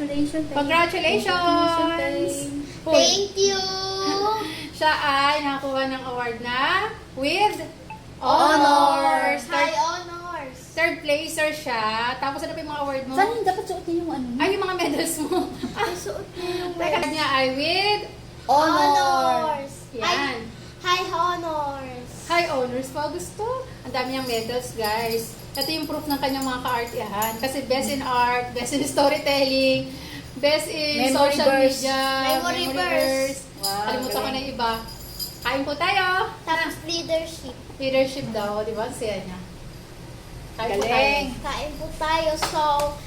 Congratulations. Congratulations! Uy, Thank you! siya ay nakakuha ng award na with Honors! honors. High honors! Third placer siya. Tapos ano pa yung mga award mo? Saan yung dapat suotin yung ano? Ay, yung mga medals mo. Ay, suot niya yung Teka niya ay with honors! yan. High honors! High honors pa. Gusto. Ang dami niyang medals, guys. Ito yung proof ng kanyang mga ka-artihan. Kasi best in art, best in storytelling, best in Memory social verse. media, Memory verse. Wow, Kalimutan ko galing. na yung iba. Kain po tayo. Tapos leadership. Leadership daw, di ba? Siya niya. Kain po tayo. Galing. Kain po tayo. So,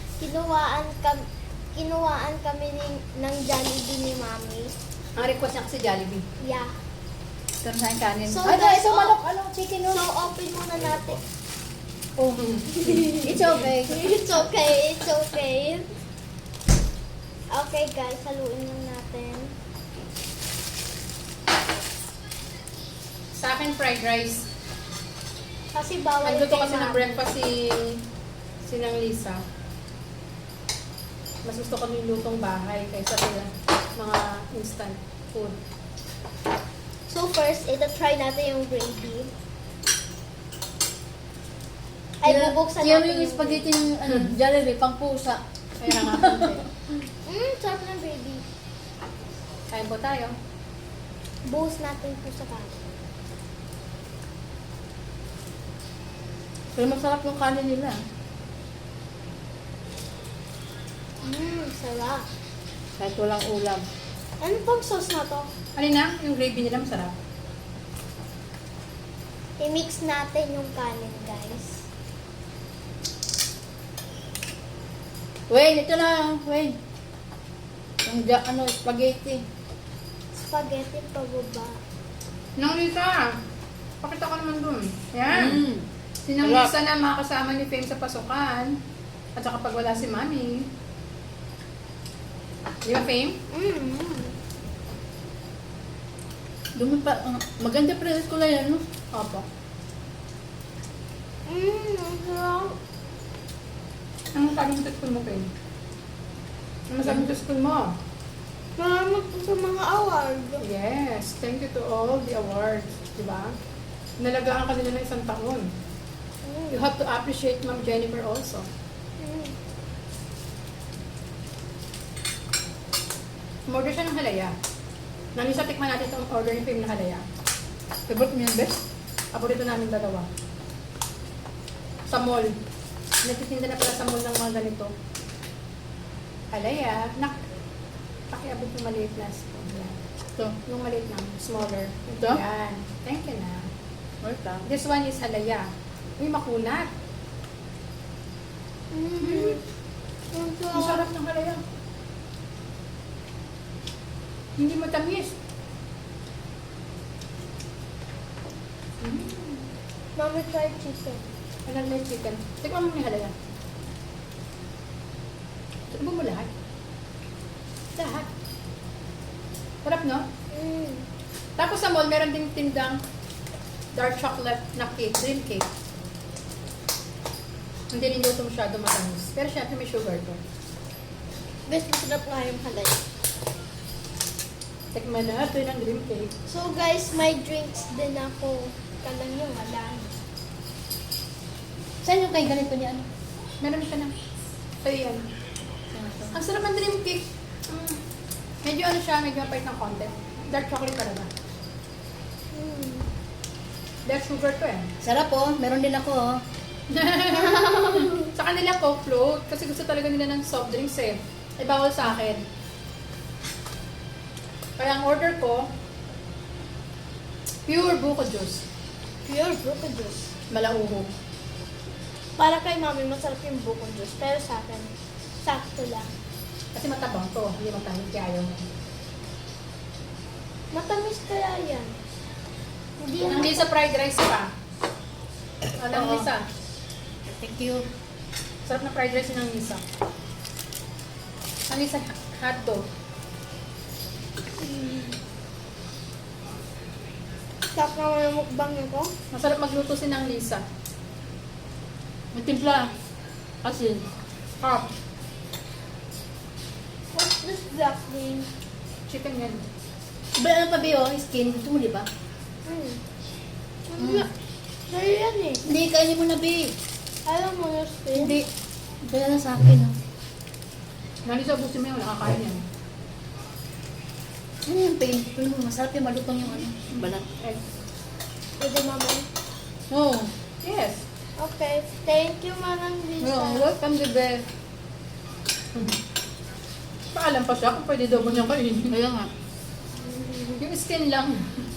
kinuwaan kami ng Jollibee ni Mami. Ang request niya kasi Jollibee. Yeah. Ito na yung kanin. So, Ay, guys, ito oh. manok. Ano? Chicken So, noodle. open muna natin. Oh. It's okay. It's okay. It's okay. Okay, guys. Haluin lang natin. Sa akin, fried rice. Kasi bawal Nagluto kay kasi ng Mami. breakfast si Nang Lisa. Mas gusto ko yung lutong bahay kaysa sa mga instant food. So first, try natin yung gravy. Ay, bubuksan Yan natin yung spaghetti ng ano, Jollibee, pang pusa. Kaya nga konti. Sarap ng gravy. Kain po tayo. Buhos natin po sa kanin. Pero masarap yung kanin nila. Sarap. Kahit walang ulam. Ano pang sauce na to? Alin na? Yung gravy nila masarap. I-mix natin yung kanin, guys. Wayne, ito na. Wayne. Yung spaghetti. Spaghetti pababa. Nang Lisa, pakita ko naman dun. Yan. Mm. Si Nang Sarap. Lisa na mga kasama ni Fame sa pasukan. At saka pag wala si Mami. Di ba, Fame? Dumi pa. Maganda present ko lang yan, no? Opo. Ang sarap. Ano sabi mo sa school mo, Fame? Ano sabi mo sa school mo? Salamat po sa mga award. Yes, thank you to all the awards, di ba? Nalagaan ka nila ng isang taon. You have to appreciate Ma'am Jennifer also. Umorder siya ng halaya. Nang isa tikman natin itong order ni Fame na halaya. Favorite mo yan, best? Paborito namin dalawa. Sa mall. Nagtitinda na pala sa mall ng mga ganito. Halaya. Pakiabot yung maliit na spoon. Yan. Ito. Yung maliit lang, smaller. Ito? Yan. Thank you na. Wait lang. This one is halaya. Uy, makunat. Ang sarap ng halaya. Hindi matamis. Mami fried chicken. Alam na yung chicken. Tikman mo yung halaya. Tikman mo lahat. Lahat. Sarap, no? Tapos sa mall, meron ding tindang dark chocolate na cake, dream cake. Hindi niluto masyado matamis. Pero syempre may sugar to. Best masarap nga yung halay. Tikman na ito yung dream cake. So guys, may drinks din ako. Kalang yung halay. Saan yung kay ganito niya, ano? Meron siya na. So yan. Ang sarap ng dream cake. Medyo ano siya, medyo mapait ng konti. Dark chocolate talaga. Dark sugar to eh. Sarap oh. Meron din ako oh. Sa kanila Coke float kasi gusto talaga nila ng soft drinks eh. Ay bawal sa akin. Kaya ang order ko, pure buko juice. Pure buko juice. Malauho. Para kay Mami, masarap yung buko juice. Pero sa akin, sakto lang. Kasi matabang to, hindi matamis kaya ayaw mo. Matamis kaya yan. Hindi yan. Hindi sa fried rice pa. Alam Oo. Lisa. Thank you. Sarap na fried rice ng Lisa. Ang Lisa hotdog. Sarap naman yung mukbang nito. Masarap magluto si ng Lisa. May timpla. Asin. Hop. Exactly. Chicken yan. Ba, ano pa ba yun? Skin. Gusto mo, di ba? Sa'yo yan eh. Hindi, kainin mo na, babe. Alam mo yung skin? Hindi. Dala na sa akin, oh. Nani sa busin mo yun, nakakain yan. Ano yung pain? Pero masarap yung malutong yung ano. Yung balat. Egg. Pwede mamay. Oo. Yes. Okay. Thank you, Manang Lisa. Oh, welcome, the best. Paalam pa siya kung pwede daw mo niyang kainin. Kaya nga. Yung skin lang.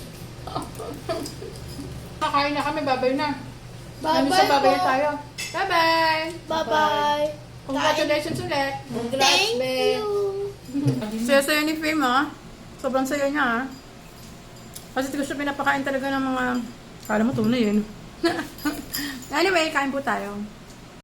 Kakain na kami, babay na. Nani sa babay na tayo. Bye-bye! Bye-bye. Congratulations ulit. Congrats, Thank babe. you. Saya-saya ni Fame, ah. Sobrang saya niya, ah. Kasi hindi ko siya pinapakain talaga ng mga... Kala mo tunay, yun. Anyway, kain po tayo.